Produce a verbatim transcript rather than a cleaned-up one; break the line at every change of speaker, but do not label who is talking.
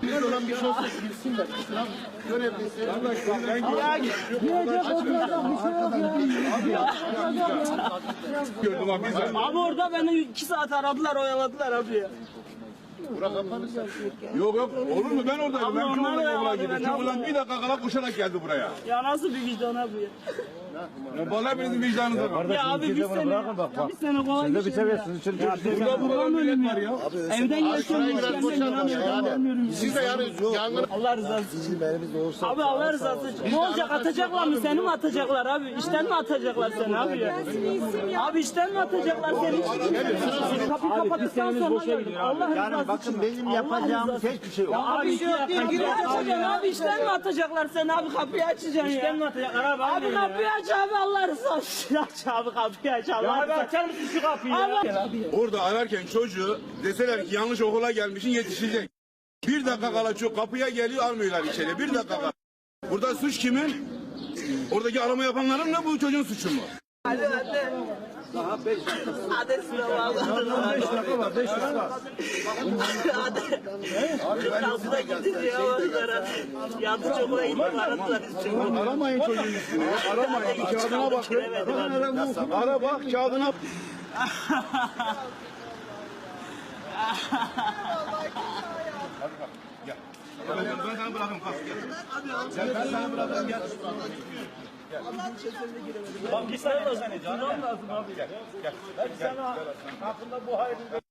elimizde olan bir şey olsa bilsinler. Sınav görevlisi.
Ya gidecek oturacak bir şey yok ya.
Gördüm abi.
Abi orada beni iki saat aradılar, oyaladılar abi ya.
Bura kapanırsa.
Yok yok olur mu, ben oradaydım.
Abi
Ben
onlar
çoğundan
ya,
okula
abi
gittim.
ben
Şu
abi.
ulan bir dakika kala koşarak geldi buraya.
Ya nasıl bir vicdan abi ya?
Ya vallahi benim vicdanınıza bak.
Ya abi bir sene, ya bir sene kolay bir şey ya.
Burada burada millet var ya.
Evden geçiyorum,
Şurayı biraz boşaltalım yani. Siz de yani yangın.
Allah rızası için. Abi Allah rızası için. Ne olacak, atacaklar mı? Seni mi atacaklar abi? İşten mi atacaklar seni abi ya? Abi işten mi atacaklar seni? Kapıyı kapattıktan sonra Allah rızası için.
Bakın benim yapacağım hiçbir şey yok.
Abi şey yok değil. Kapıyı açacaksın abi, işten mi atacaklar seni abi? Kapıyı açacaksın ya. İşten mi atacaklar abi? Abi kapıyı aç abi, Allah rızası için. Aç abi kapıyı aç. Allah rızası için. Açar mısın şu kapıyı ya?
Orada ararken çocuğu deseler ki yanlış okula gelmişsin, yetişecek. Bir dakika kala çok kapıya geliyor, almıyorlar içeri. Bir dakika kala. Burada suç kimin? Oradaki arama yapanların ne, bu çocuğun suçu mu?
Hadi hadi. Hadi sınava alın.
beş dakika var, beş dakika.
Hadi. Kırtasına gidince yavaşlara. Yanlış okula gittim, aradılar.
Aramayın çocuğun üstüne ya. Aramayın. Kağıdına bak. Ara bak kağıdına. Gel. Ben sana bırakayım, kalk gel. Gel ben sana bırakayım, gel.
Bak bir sene de seni canım lazım abi.
Gel. Gel.
Sana hakkında bu hayır